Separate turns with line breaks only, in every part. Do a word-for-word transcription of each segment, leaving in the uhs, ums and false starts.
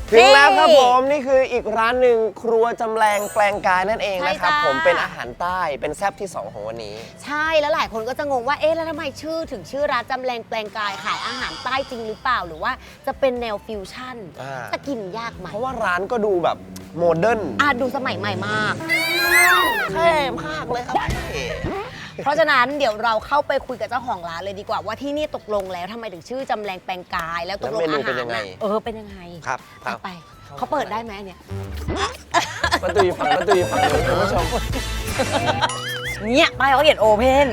ถึงแล้วครับผมนี่คืออีกร้านหนึ่งครัวจำแรงแปลงกายนั่นเองนะครับผมเป็นอาหารใต้เป็นแซ่บที่สองของวันนี้
ใช่แล้วหลายคนก็จะงงว่าเอ๊ะแล้วทำไมชื่อถึงชื่อร้านจำแรงแปลงกายขายอาหารใต้จริงหรือเปล่าหรือว่าจะเป็นแนวฟิวชั่นจะกินยากไหม
เพราะว่าร้านก็ดูแบบโมเดิร์น
อ่ะดูสมัยใหม่มาก
เท่มากเลยครับ
เพราะฉะนั้นเดี๋ยวเราเข้าไปคุยกับเจ้าของร้านเลยดีกว่าว่าที่นี่ตกลงแล้วทำไมถึงชื่อจำแรงแปลงกายแล้วตกลงอาหารน่ะเออเป็นยังไง
ครับ
ไปเขาเปิดได้ไหมเนี่ย
ประตูอยู่ฝั่งประตูอยู่ฝั่งนี้คุณผู้ชม
เนี่ยป้ายเขาเขียนโอเพน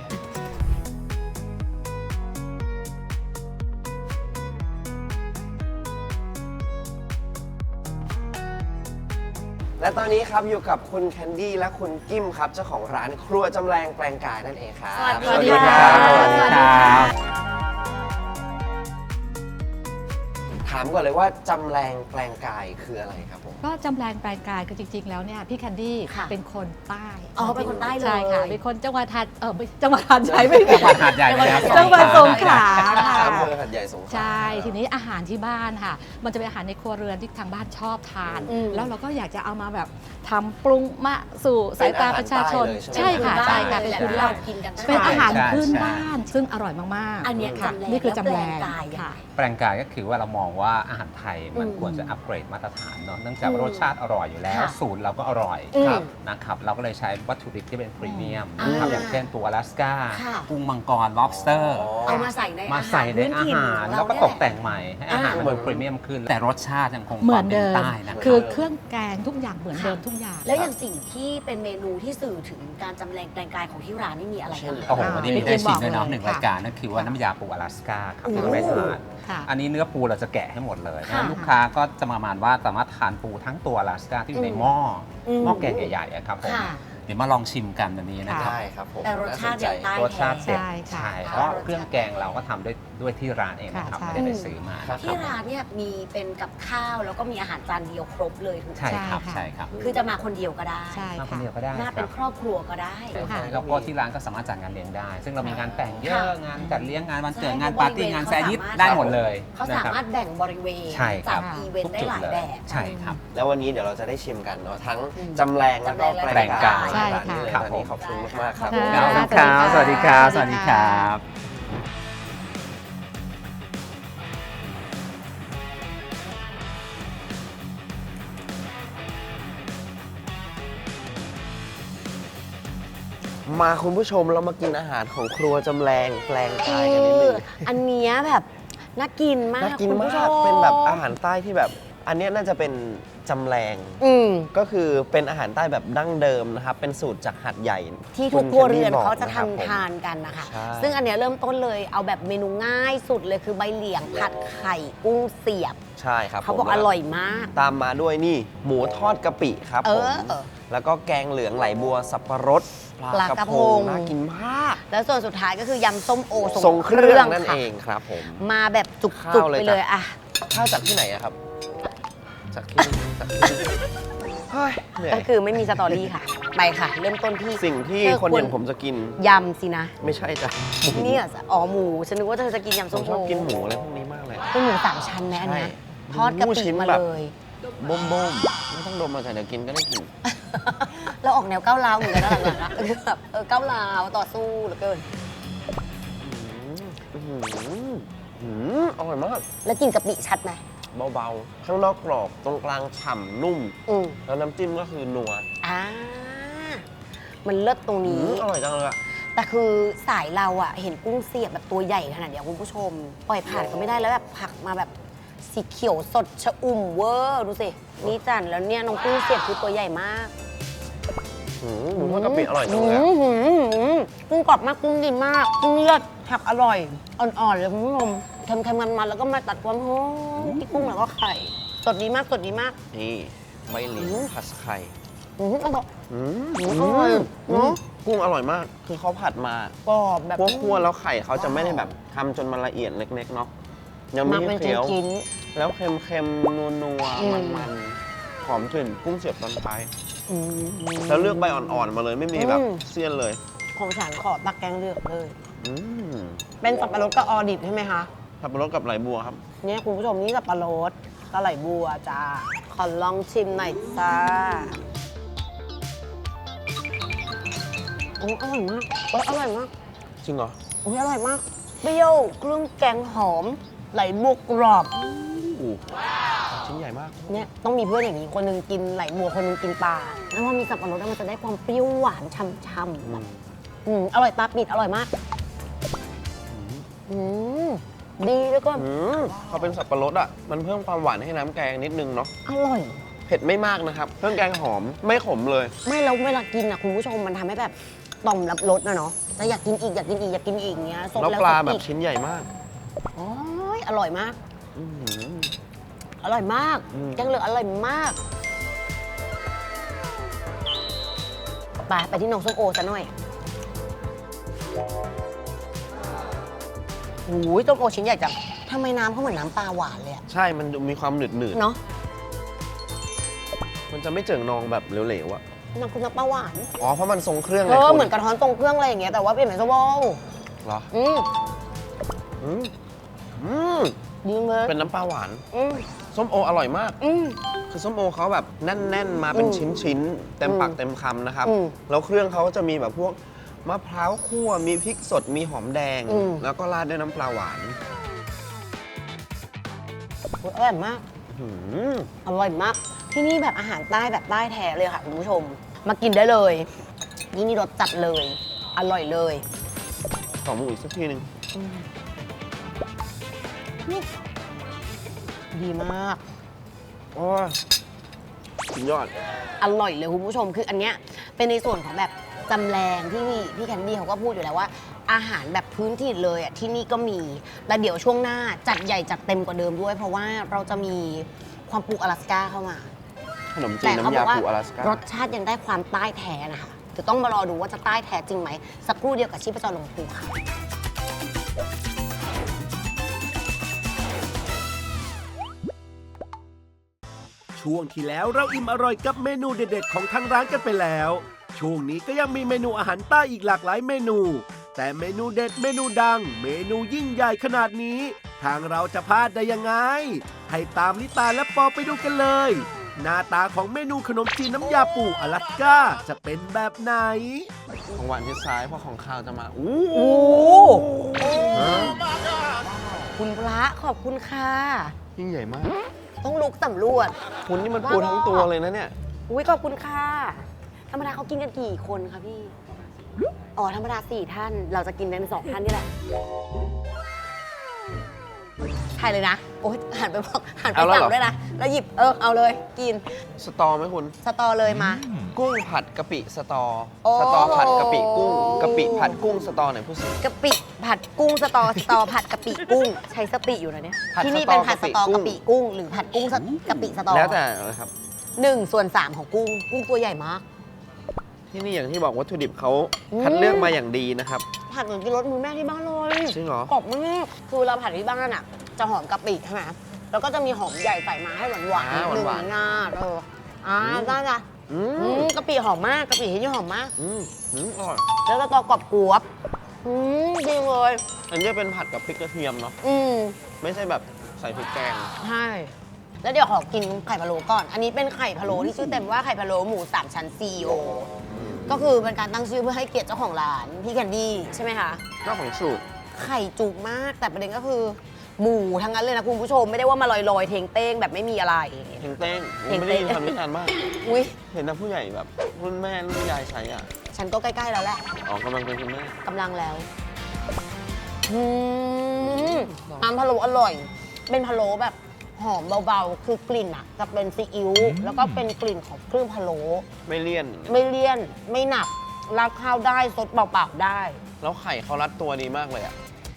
และตอนนี้ครับอยู่กับคุณแคนดี้และคุณกิมครับเจ้าของร้านครัวจำแรงแปลงกายนั่นเองครับ
สวัสดีครับ
สวัสดีครับถามก่อนเลยว่าจำแรงแปลงกายคืออะไรครับผม
ก็จำแรงแปลงกายคือจริงๆแล้วเนี่ยพี่แคนดี้เป็นคนใต้
อ๋อเป็นคนใต้เลย
ใช่ค่ะเป็นคนจังหวัดหัดเออจังหวัดหัดใหญ่ไม่จังหวัด
หัดใหญ่
จังหวัดสงขลา
ค่ะอำเภอหัดใหญ่สงขลา
ใช่ทีนี้อาหารที่บ้านค่ะมันจะเป็นอาหารในครัวเรือนที่ทางบ้านชอบทานแล้วเราก็อยากจะเอามาแบบทำปรุงมาสู่สายตาประชาชน
ใช่
ค่ะใช่ค่ะเป็น
พื้นบ้านกินกัน
เป็นอาหารพื้นบ้านซึ่งอร่อยมากๆ
อันนี้
ค่ะนี่คือจำแรงค่ะ
แปลงกายก็คือว่าเรามองว่าอาหารไทยมันควรจะอัปเกรดมาตรฐานเนาะเนื่องจากรสชาติอร่อยอยู่แล้วสูตรเราก็อร่อยนะครับเราก็เลยใช้วัตถุดิบที่เป็นพรีเมียมนะครับอย่างเช่นตัวอลาสก้ากุ้งมังกร lobster
เอามาใส่ใน
มาใส่ในอาหารแล้วก็ตกแต่งใหม่ให้อาหารมันดูพรีเมียมขึ้นแต่รสชาติยังคง
เหมือนเดิม
ใต้นะ
คือเครื่องแกงทุกอย่างเหมือนเดิมทุกอย่าง
แล้วอย่างสิ่งที่เป็นเมนูที่สื่อถึงการจำแรงแปลงกายของที่ร้านนี่มีอะไรบ้าง
โอ้โหวันนี้มีได้ชิมด้วยเนาะหนึ่งรายการนั่นคือว่าน้ำยาปูอลาสก้าครับที่เราได้ทานอันนี้เนื้อปูเราจะแกะให้หมดเลยนะลูกค้าก็จะประมาณว่าสามารถทานปูทั้งตัวอลาสก้าที่อยู่ในหม้อหม้อแกงใหญ่ๆครับผมเดี๋ยวมาลองชิมกันวันนี้นะครับ
ได้ครับผม
แต่รสชาติอย่างใต้
รสชาติเด็ด
ใช่
เพราะเครื่องแกงเราก็ทำด้วยด้วยที่ร้านเองนะครับไม่ได้ไปซื้อมา
ที่ร้านเนี่ยมีเป็นกับข้าวแล้วก็มีอาหารจานเดียวครบเลยถูกไหม
ใช่ครับใช่ครับ
คือจะมาคนเดียวก็ได้
มาคนเดียวก็ได้
มาเป็นครอบครัวก็ได้
แล้วก็ที่ร้านก็สามารถจัดงานเลี้ยงได้ซึ่งเรามีงานแต่งเยอะงานจัดเลี้ยงงานวันเกิดงานปาร์ตี้งานแซยิปได้หมดเลย
เขาสามารถแบ่งบริเวณจัดอีเวนต์ได้หลายแบบ
ใช่ครับ
แล้ววันนี้เดี๋ยวเราจะได้ชิมกันเนาะทั้งจำแรงแล้วก็แปลงกายร้านนี้เลยวันนี้ขอบคุณมากๆครับ
ครับสวัสดีครับสวัสดีครับ
มาคุณผู้ชมเรามากินอาหารของครัวจำแรงแปลงกายกันนิดนึง
อันนี้แบบน่ากินมาก
น่ากินมากเป็นแบบอาหารใต้ที่แบบอันนี้น่าจะเป็นจำแรงก็คือเป็นอาหารใต้แบบดั้งเดิมนะครับเป็นสูตรจากหัดใหญ่
ที่ทุกครัวเรือนเขาจะทำทานกันนะคะซึ่งอันนี้เริ่มต้นเลยเอาแบบเมนูง่ายสุดเลยคือใบเหลียงผัดไข่กุ้งเสียบ
ใช่ครับ
เขาบอกอร่อยมาก
ตามมาด้วยนี่หมูทอดกะปิครับผมแล้วก็แกงเหลืองไหลบัวสับปะรด
ปลากระพง
น่ากินมาก
แล้วส่วนสุดท้ายก็คือยำส้มโอ
ทรงเครื่องนั่นเองครับผม
มาแบบจุกๆไปเลยอะ
ข้าวจากที่ไหนอะครับจากที่จากที่
ก็คือไม่มีสตอรี่ค่ะไปค่ะเริ่มต้นที่
สิ่งที่คนอย่างผมจะกิน
ยำสินะ
ไม่ใช่จ้ะ
นี่อ๋อหมูฉันนึกว่าเธอจะกินยำส้มโอ
ชอบกินหมูอะไรพวกนี้มากเลย
เป็นหมูสามชั้นไหมอันนี้ทอดกะปิมาเลย
บ่มบ่มไม่ต้องดมมาใส่เดี๋ยวกินก็ได้กิน
เราออกแนวก้าวร้าวเหมือนกันนะหลังๆนะแบบเออก้าวร้าวต่อสู้เหลือเกิน
อร่อยมาก
แล้วกินกะปิชัดไหม
เบาๆข้างนอกกรอบตรงกลางฉ่ำนุ่มแล้วน้ำจิ้มก็คือนัว
อ่ามันเลิศตรงนี้
อร่อยจังเลยอะ
แต่คือสายเราอะเห็นกุ้งเสียบแบบตัวใหญ่ขนาดนี้คุณผู้ชมปล่อยผ่านก็ไม่ได้แล้วแบบผักมาแบบสีเขียวสดชะอุ่มเวอร์ดูสินี่จันแล้วเนี่ยน้องกุ้งเสียบคือตัวใหญ่มาก
หมูทอดกะปิอร่อยจังเลย
กุ้งกรอบมากกุ้งดีมากกุ้งเลือดผักอร่อยอ่อนๆเลยคุณผู้ชมเค็มๆมันๆแล้วก็มาตัดความหอมที่กุ้งแล้วก็ไข่สดดีมากสดดีมาก
นี่ใบเหลียงผัดไข่
อืมอร่อย
อืมอร่อยเนาะกุ้งอร่อยมากคือเขาผัดมาก
รอบแบบ
คั่วๆแล้วไข่เขาจะไม่ได้แบบทำจนมันละเอียดเล็กๆเนาะยังไม่เคี้ยวแล้วเค็มๆนัวๆมันๆหอมกลิ่นกุ้งเสียบตอนท้ายแล้วเลือกใบอ่อนๆมาเลยไม่มีแบบเสี้ยนเลย
ของฉันขอตักแกงเลือกเลยเป็นสับปะรดกับออดิบใช่ไหมคะ
สับปะรดกับไหลบัวครับ
เนี่ยคุณผู้ชมนี่สับปะรดปลาไหลบัวจ้า ขอลองชิมหน่อยจ้าโอ้อร่อยมากโอ้อร่อยมาก
จริงเหรอ
โอ้ยอร่อยมากเปรี้ยวเครื่องแกงหอม ไหลบัวกรอบ
อู้ชิ้นใหญ่มาก
เนี่ยต้องมีเพื่อนอย่างนี้คนหนึงกินไหลบัวคนหนึงกินปลาแล้วพอมีสับปะรดแล้วมันจะได้ความเปรี้ยวหวานช่ำๆแบบอืมอร่อยตาปิดอร่อยมากอืมดีแล้วก็
อืมพอเป็นสับปะรดอ่ะ มันเพิ่มความหวานให้น้ำแกงนิดนึงเนาะ
อร่อย
เผ็ดไม่มากนะครับ เครื่องแกงหอมไม่ขมเลย
ไม่แล้วเวลากินอ่ะคุณผู้ชมมันทำให้แบบต่อมรับรสนะเนาะจะอยากกินอีกอยากกินอีกอยากกินอีกเงี้ยซด
แล้ว
แล้ว
ปลา
ซด
แบบ
อีก
ชิ้นใหญ่มาก
โอ้ยอร่อยมาก
อื้อหือ
อร่อยมาก
อืม
แกงเหลืองอร่อยมากไปไปที่น้องส้มโอซะหน่อยโอ้ยส้มโอชิ้นใหญ่จังทำไมน้ำเขาเหมือนน้ำปลาหวานเลยอะ
ใช่ มันดูมีความหนืดหนืด
เนาะ
มันจะไม่เจิ่งนองแบบเหลวๆอ่ะ
มันคือน้ำปลาหวาน
อ๋อ เพราะมันทรงเครื่อง
เอ
ไง
อ
คุณ
เหมือนกระท้อนตรงเครื่องอะไรอย่างเงี้ยแต่ว่าเปลี่ยนเป็นส้มโอ
เหรอ
อืม
อืมอืม
ดีเลย
เป็นน้ำปลาหวาน
อืม
ส้มโออร่อยมาก
อืม
คือส้มโอเขาแบบแน่น ๆ มาเป็น
อืม
ชิ้น ๆ เต็มปาก
อืม
เต็มคำนะครับ
อืม
แล้วเครื่องเขาก็จะมีแบบพวกมะพร้าวคั่ว มีพริกสด มีหอมแดง
อืม
แล้วก็ราดด้วยน้ำปลาหวาน
โอ้ยอร่อยมาก
หืม
อร่อยมาก ที่นี่แบบอาหารใต้แบบใต้แท้เลยค่ะคุณผู้ชม มากินได้เลยนี่นี่รสจัดเลย อร่อยเลย
ขอหมูอีกสักทีหนึ่ง
ดีมาก
โอ้ยสุดยอด
อร่อยเลยคุณผู้ชมคืออันเนี้ยเป็นในส่วนของแบบจำแรงที่พี่พี่แคนดี้เขาก็พูดอยู่แล้วว่า อาหารแบบพื้นถิ่นเลยอ่ะที่นี่ก็มีแล้วเดี๋ยวช่วงหน้าจัดใหญ่จัดเต็มกว่าเดิมด้วย เพราะว่าเราจะมีความปูอลาสก้าเข้ามา
ขนมจี
แต่
น
เขา
น้ำ
บ
ยา
อกว่า
ปูอลาสก้าร
สชาติยังได้ความใต้แท้นะคะเดี๋ยวต้องมารอดูว่าจะใต้แท้จริงไหมสักครู่เดียวกับชีพจรลงปูค่ะ
ช่วงที่แล้วเราอิ่มอร่อยกับเมนูเด็ดๆของทางร้านกันไปแล้ว ช่วงนี้ก็ยังมีเมนูอาหารใต้อีกหลากหลายเมนู แต่เมนูเด็ดเมนูดัง เมนูยิ่งใหญ่ขนาดนี้ ทางเราจะพลาดได้ยังไง ให้ตามลิตาและปอไปดูกันเลย หน้าตาของเมนูขนมจีนน้ำยาปูอลาสก้าจะเป็นแบบไหน
ของหวานที่ซ้ายเพราะของข้าวจะมา อู้
โอ้
ฮะ
คุณพระขอบคุณค่ะ
ยิ่งใหญ่มาก
ต้องลุกสำรวจ
คุณนี่มันปูทั้งตัวเลยนะเนี่ย
อุ้ยขอบคุณค่ะ ธรรมดาเขากินกันกี่คนคะพี่ อ๋อ ธรรมดาสี่ท่าน เราจะกินกันสองท่านนี่แหละถ่ายเลยนะ โอ๊ยหันไปบอกหันไป
เอาแล้ว
สั่
เห
ง
รอ
ด้วยนะ แล้วหยิบ เออ เอาเลย กิน
สตอไหมคุณ
สตอเลยมา
กุ้งผัดกะปิสตอ
โอ้
สตอผัดกะปิกุ้งกะปิผัดกุ้งสตอไหนพูดสิ
กะปิผัดกุ้งสตอ สตอผัดกะปิกุ้ง ใช้สติอยู่นะเนี่ย
ผัด
ที่นี่
สตอ
เป็นผัดสตอก
กะ
กะ
ปิ
ปิ
กุ้
กุ้ง
ง
หรือผัดกุ้งสตกะปิสตอ
แล้วแต่นะครับ
หนึ่งส่วนสามของกุ้ง กุ้งตัวใหญ่มาก
ที่นี่อย่างที่บอกวัตถุดิบเขา
อืม
คัดเลือกมาอย่างดีนะครับ
ผัดเหมือนกินรสมือแม่ที่บ้านเลย
จริงเหรอ
กรอบมากคือเวลาผัดที่บ้านอ่ะ จะหอมกะปิใช่ไหมแล้วก็จะมีหอมใหญ่ใส่มาให้หวานหวาน
อ่า
หนึ่ง
หวานๆ
งาเอออ่า
อืม
ได้จ้ะ
อื
อื
ม
มกะปิหอมมากกะปิที่นี่หอมมาก
อืมอืมอร่อย
แล้วก็ตอกรอบกรอบอืมดีเลย
อันนี้เป็นผัดกับพริกกระเทียมเนาะ
อืม
ไม่ใช่แบบใส่พริกแกง
ใช่แล้วเดี๋ยวขอกินไข่พะโล้ก่อน อันนี้เป็นไข่พะโล้ที่ชื่อเต็มว่าไข่พะโล้หมูสามชั้น ซี โอ ก็คือเป็นการตั้งชื่อเพื่อให้เกียรติเจ้าของร้านพี่แคนดี้ใช่ไหมคะ
เจ้าของสูตร
ไข่จุกมากแต่ประเด็นก็คือ หมูทั้งนั้นเลยนะคุณผู้ชมไม่ได้ว่ามาลอยๆเทงเต้งแบบไม่มีอะไร
เฮงเต้ง
เฮง
ไม่
เต้
ได้
ง
ยินคำวิจารณ์มาก
อุ้ย
เห็นแต่ผู้ใหญ่แบบรุ่นแม่รุ่นยายใช้อ่ะ
ฉันก็ใกล้ๆแล้วแหละ
อ๋อกำลังเป็นคุณแม่
กำลังแล้วอืมน้ำพะโล้อร่อย เป็นพะโล้แบบหอมเบาๆ คือกลิ่นอ่ะจะเป็นซีอิ๊วแล้วก็เป็นกลิ่นของเครื่องพะโล้
ไม่เลี่ยน
ไม่เลี่ยนไม่หนักราดข้าวได้ซดเปล่าๆได้
แล้วไข่เขารัดตัวดีมากเลยอ่ะ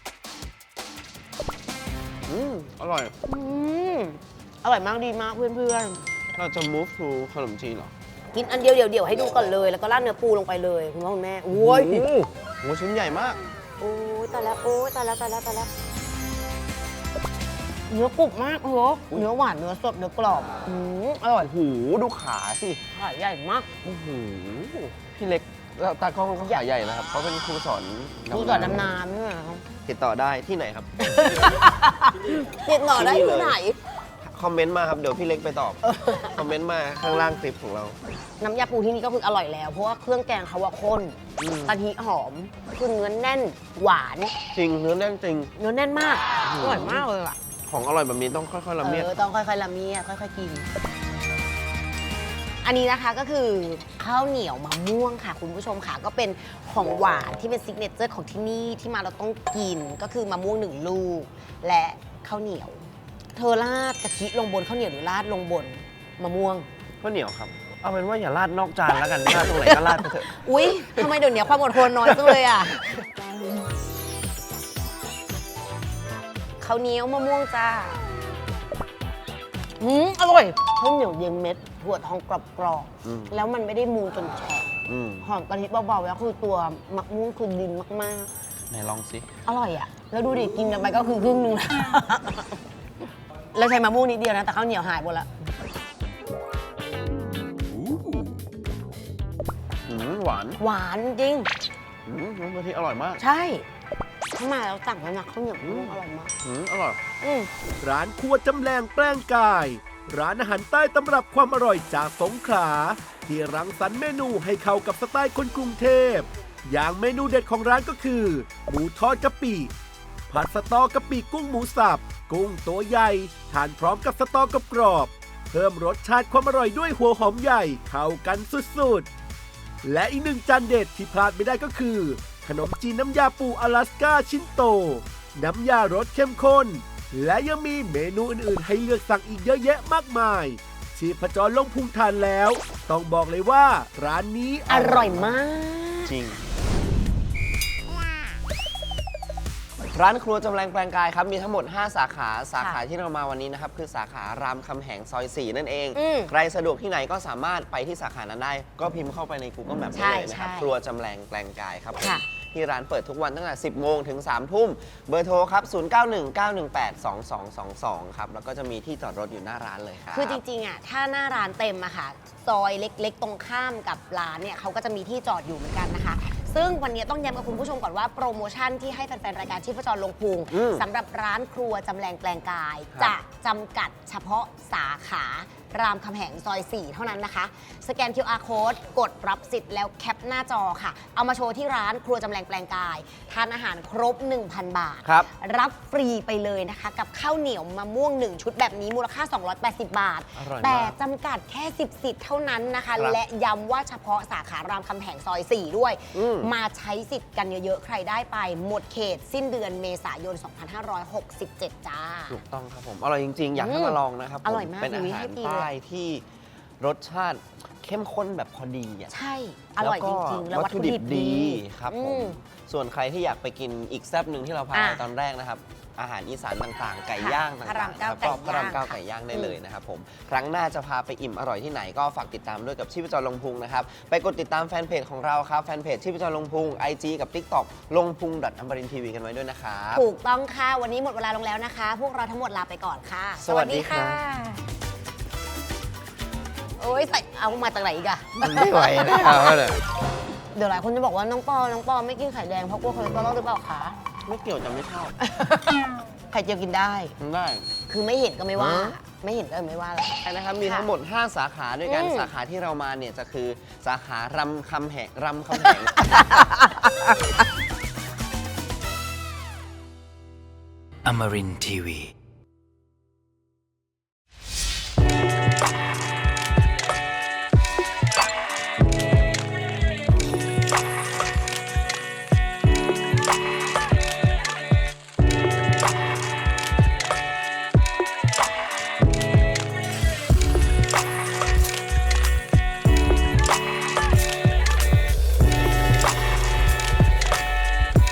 อืมอร่อย
อืมอร่อยมากดีมากเพื่อน
เราจะ move to ขนมจีนเหรอ
ๆ กินอันเดียวเดี๋ยวๆให้ดูก่อนเลย แล้วก็ราดเนื้อปูลงไปเลยคุณพ่อคุณแม่โอ้ย
โอ้โหโหชิ้นใหญ่มาก
โอ้ยตายแล้วโอ้ยตายแล้วตายแล้วตายแล้วเนื้อกรุบมากโอ้โหเนื้อหวานเนื้อสดเนื้อกรอบอืมอร่อย
โอ้โห ดูขาสิ
ขาใหญ่มาก
โอ้โห พี่เล็กตากล้องเขาขาใหญ่นะครับเขาเป็นครูสอน
นี่ก่อนดำน้ำเนี่ยครับ
ติดต่อได้ที่ไหนครับ
ติดต่อได้
ที่นี่
ที่
เลย
ไหน
คอมเมนต์มาครับ เดี๋ยวพี่เล็กไปตอบ คอมเมนต์มาข้างล่างคลิปของเรา
น้ำยาปูที่นี่ก็คืออร่อยแล้ว เพราะว่าเครื่องแกงเขาว่าข้น
อืม
กะทิหอมคือเนื้อแน่นหวาน
จริงเนื้อแน่นจริง
เนื้อแน่นมาก
อืม
อร่อยมากเลยอ่ะ
ของอร่อยแบบนี้ต้องค่อยๆละเมียด
เออต้องค่อยๆละเมียดค่อยๆกิน อันนี้นะคะก็คือข้าวเหนียวมะม่วงค่ะ คุณผู้ชมค่ะก็เป็นของหวานที่เป็นซิกเนเจอร์ของที่นี่ที่มาเราต้องกินก็คือมะม่วงหนึ่งลูก และข้าวเหนียว เธอราดกะทิลงบนข้าวเหนียวหรือราดลงบนมะม่วง
ข้าวเหนียวครับ เอาเป็นว่าอย่าราดนอกจานแล้วกันราดตรงไหนก็ราดไปเถอะ
อุ๊ยทำไมเดี๋ยวนี้ความอดทนน้อยจังเลยอ่ะข้าวเหนียวมะม่วงจ้าอืมอร่อยข้าวเหนียวเย็นเม็ดถั่วทองกรอบ
อืม
ๆแล้วมันไม่ได้มูนจนแฉะ
อืม
หอมกะทิเบาๆแล้วคือตัวมะม่วงคือดินมาก
ไหนลองสิ
ๆ อร่อยอ่ะ แล้วดูดิกินกันไปก็คือครึ่งนึง แล้วเราใช้มะม่วงนิดเดียวนะแต่ข้าวเหนียวหายหมดละ
อืมหวาน
หวานจริง
อืมน้ำกะทิอร่อยมาก
ใช่ถ้ามาแล้วสั่งแล้วนะข้าวเหนียวมะม่วงอร่อยมาก
อืมอร่อย
อืม
ร้านครัวจำแรงแปลงกาย ร้านอาหารใต้ตำรับความอร่อยจากสงขลาที่รังสรรค์เมนูให้เข้ากับสไตล์คนกรุงเทพ อย่างเมนูเด็ดของร้านก็คือ หมูทอดกะปิ ผัดสตอกะปิกุ้งหมูสับ กุ้งตัวใหญ่ทานพร้อมกับสตอกรอบๆเพิ่มรสชาติความอร่อยด้วยหัวหอมใหญ่เข้ากันสุดๆ และอีกหนึ่งจานเด็ดที่พลาดไม่ได้ก็คือ ขนมจีนน้ำยาปูอลาสก้าชิ้นโต น้ำยารสเข้มข้น และยังมีเมนูอื่นๆให้เลือกสั่งอีกเยอะแยะมากมายชีพจรลงพุงทานแล้ว ต้องบอกเลยว่าร้านนี้
อร่อยมาก
จริง ร้านครัวจำแรงแปลงกายครับ มีทั้งหมด ห้า สาขา สาขาที่เรามาวันนี้นะครับ คือสาขารามคำแหงซอย สี่ นั่นเอง
อืม
ใครสะดวกที่ไหนก็สามารถไปที่สาขานั้นได้ ก็พิมพ์เข้าไปใน Google Map
ใช่
ได้เลยนะครับ
ใช่
ครัวจำแรงแปลงกายครับผม
ค่ะ
ที่ร้านเปิดทุกวันตั้งแต่ สิบ โมงถึง สาม ทุ่ม เบอร์โทรครับ ศูนย์ เก้า หนึ่ง เก้า หนึ่ง แปด สอง สอง สอง สอง ครับ แล้วก็จะมีที่จอดรถอยู่หน้าร้านเลยครับ
คือจริงๆอ่ะถ้าหน้าร้านเต็มอะค่ะซอยเล็กๆ ตรงข้ามกับร้านเนี่ยเขาก็จะมีที่จอดอยู่เหมือนกันนะคะ ซึ่งวันนี้ต้องย้ำกับคุณผู้ชมก่อนว่าโปรโมชั่นที่ให้แฟนๆรายการชีพจรลงพุง
อืม
สำหรับร้านครัวจำแรงแปลงกาย
ครับ
จะจำกัดเฉพาะสาขารามคำแหงซอย สี่ เท่านั้นนะคะ สแกน คิว อาร์ Code กดรับสิทธิ์แล้วแคปหน้าจอค่ะ เอามาโชว์ที่ร้านครัวจำแรงแปลงกาย ทานอาหารครบ หนึ่งพัน บาท
ครับ
รับฟรีไปเลยนะคะ กับข้าวเหนียวมะม่วง หนึ่ง ชุดแบบนี้มูลค่า สองร้อยแปดสิบ บาท
อร่อยมาก
แต่จำกัดแค่ สิบ สิทธิ์เท่านั้นนะคะ
ครับ
และย้ำว่าเฉพาะสาขารามคำแหงซอย สี่ ด้วย
อืม
มาใช้สิทธิ์กันเยอะ ๆ ใครได้ไป หมดเขตสิ้นเดือนเมษายน สองพันห้าร้อยหกสิบเจ็ด จ้า
ถูกต้องครับผม อร่อยจริง ๆ อยากให้มาลองนะครับผม
อร่อยมาก
เป็นอา
รีวิว
หา
ให้
ร
ดีเลย
ใต้ที่รสชาติเข้มข้นแบบพอดีอ่ะ
ใช่ อร่อยจริง ๆ แล้ววัตถุดิบดี
ครับผ
อื
ม ส่วนใครที่อยากไปกินอีกแซ่บหนึ่งที่เราพา
อ่ะ
ไปตอนแรกนะครับ อาหารอีสานต่างๆ ไก่
ค่ะ
ย่าง
พระรา
ต่าม งๆ
เก้า
นะครับก็พระราม
ไก่ย่าง
เก้า
ค่ะ
ไก่ย่างได้
อืม
เลยนะครับผม ครั้งหน้าจะพาไปอิ่มอร่อยที่ไหนก็ฝากติดตามด้วยกับชีพจรลงพุงนะครับ ไปกดติดตามแฟนเพจของเราครับ แฟนเพจชีพจรลงพุง ไอ จี กับ TikTok ลงพุงดอทอมรินทีวีกันไว้ด้วยนะครับ
ถูกต้องค่ะ วันนี้หมดเวลาลงแล้วนะคะ พวกเราทั้งหมดลาไปก่อนค่ะ
สวัสดีครับ
โอ้ยใส่เอามาจากไหนอีกอะ
ไม่ไหวแล้วเลย
เดี๋ยวหลายคนจะบอกว่าน้องปอ น้องปอไม่กินไข่แดงเพราะกลัวคอเลสเตอรอลหรือเปล่าคะ
ไม่เกี่ยวจะไม่ชอบ
ไข่เจียวกินได้
ได้
คือไม่เห็นก็ไม่ว่า
ฮะ
ไม่เห็นก็ไม่ว่าแหละ
นะครับ มีทั้งหมด ห้า สาขาด้วยกัน
อืม
สาขาที่เรามาเนี่ยจะคือสาขารำคำแหงรำคำแหง
Amarin Tiwi.